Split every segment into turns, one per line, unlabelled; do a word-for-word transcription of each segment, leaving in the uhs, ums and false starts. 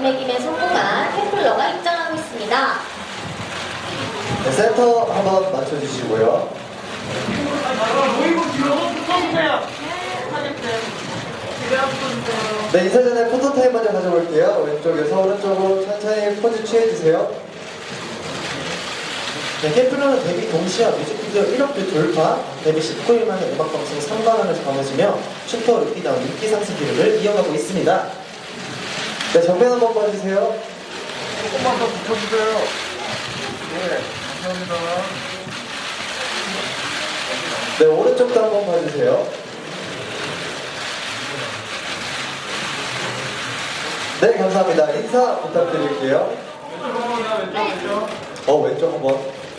되새김에 성공한 캠플러가 입장하고 있습니다.
네, 센터 한번 맞춰주시고요. 네, 인사 전에 포토타임 먼저 가져볼게요. 왼쪽에서 오른쪽으로 천천히 포즈 취해주세요. 네, 캠플러는 데뷔 동시에 뮤직비디오 일억 뷰 돌파, 데뷔 십구 일 만에 음악방송 삼 관왕을 거머쥐며 슈퍼 루피다운 인기 상승 기록을 이어가고 있습니다. 네, 정면 한번 봐주세요.
조금만 더 붙여주세요. 네, 감사합니다.
네, 오른쪽도 한번 봐주세요. 네, 감사합니다. 인사 부탁드릴게요.
왼쪽, 왼쪽.
어, 왼쪽 한번.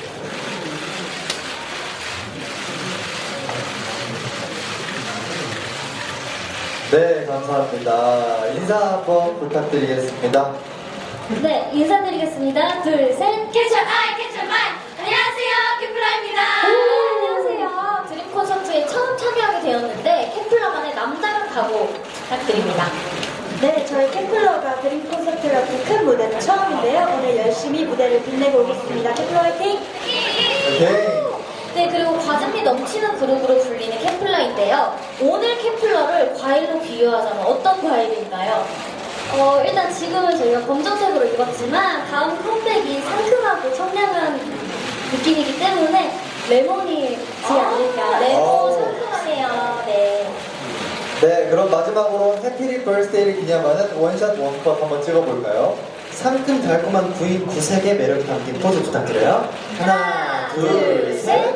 네, 감사합니다. 인사 한번 부탁드리겠습니다.
네, 인사드리겠습니다. 둘, 셋. 캐쳐 아이, 캐쳐 마이. 안녕하세요, 캠플러입니다. 안녕하세요. 드림 콘서트에 처음 참여하게 되었는데 캠플러만의 남다른 각오 부탁드립니다.
네, 저희 캠플러가 드림 콘서트 같은 큰 무대는 처음인데요. 오늘 열심히 무대를 빛내고 오겠습니다. 캠플러 화이팅!
오케이.
네, 그리고 과즙이 넘치는 그룹으로 불리는 캠플러인데요. 오늘 캠플러를 과일로 비유하자면 어떤 과일일까요?
어, 일단 지금은 저희가 검정색으로 입었지만 다음 컴백이 상큼하고 청량한 느낌이기 때문에 레몬이지 않을까.
레몬
오.
상큼하네요. 네.
네, 그럼 마지막으로 해피리 벌스데이를 기념하는 원샷 원컷 한번 찍어볼까요? 상큼 달콤한 구인 구색의 매력이 담긴 포즈 부탁드려요. 하나, 둘, 셋.